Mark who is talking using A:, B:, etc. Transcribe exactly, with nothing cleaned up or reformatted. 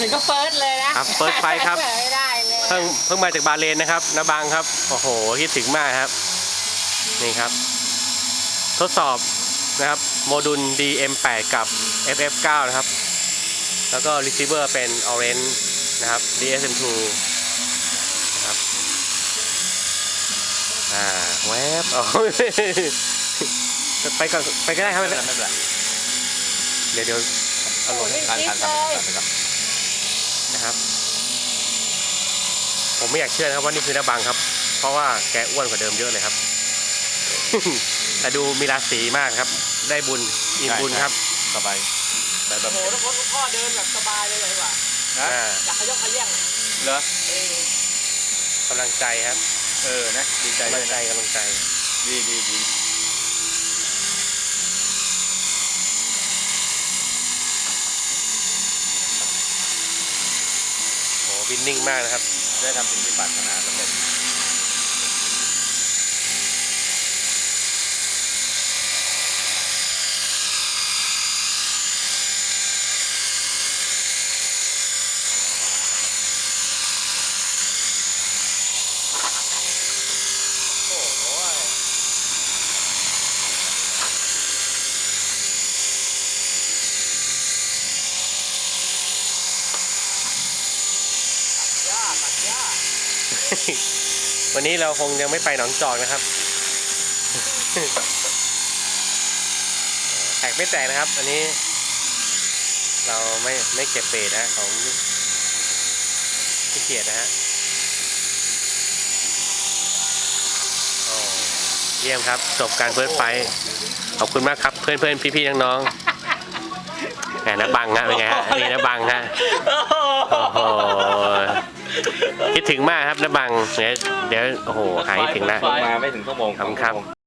A: ถึงก็เฟิร์สเลยนะครับ
B: เฟิร์สไฟครับ
A: ไม่ได้เลย
B: เพิ่งเพิ่งมาจากบาเลนนะครับนาบังครับโอ้โหคิดถึงมากครับนี่ครับทดสอบนะครับโมดูล ดี เอ็ม แปด กับ เอฟ เอฟ เก้า นะครับแล้วก็ receiver เป็น Orange นะครับ ดี เอส เอ็ม ทู นะครับอ่าแวบอ๋อ ไปก่อนไปก็ได้ครับ
C: ไม่เป็นไรไม่เป็นไร
B: เดี๋ยวเดี๋ยวเอาลง
C: การการการไปก่อน
B: นะครับผมไม่อยากเชื่อนะครับว่านี่คือนาบังครับเพราะว่าแกอ้วนกว่าเดิมเยอะเลยครับ แต่ดูมีราศีมากครับได้บุญอิ่มบุญครับ
C: สบายแต่แบบ
A: โอ้โหทุกคนทุกพ่อเดินแบบสบายเลยเลยว่ะ
C: นะ
B: อ่า
A: อยากขยกขยื่น
C: เหรอ
A: เออก
B: ำลังใจครับ
C: เออนะดีใจ
B: กำ
C: เล
B: ลั
C: ย
B: งใจ
C: นะ
B: กำลังใจ
C: ดีดีดี
B: โหวินนิ่งมากนะครับ
C: ได้ทำสิ่งที่ปรารถนาสำเร็จโอ้โห
A: ย่าตัดย่า
B: วันนี้เราคงยังไม่ไปหนองจอกนะครับ แตกไม่แตกนะครับ อันนี้ เราไม่ไม่เก็บเบสนะของพี่เกียรตินะฮะโอ้เยี่ยมครับจบการเฟิร์สไฟท์ขอบคุณมากครับเพื่อนเพื่อนพี่พี่น้องน้องๆแหมนะบังฮะเป็นไงฮะนี่นะบังฮะโอ้โหคิดถึงมากครับนะบังเดี๋ยวเดี๋ยวโอ้โหหายคิดถึงแล้ว
C: มาไม่ถึงชั่วโมง
B: ขอบคุณครับ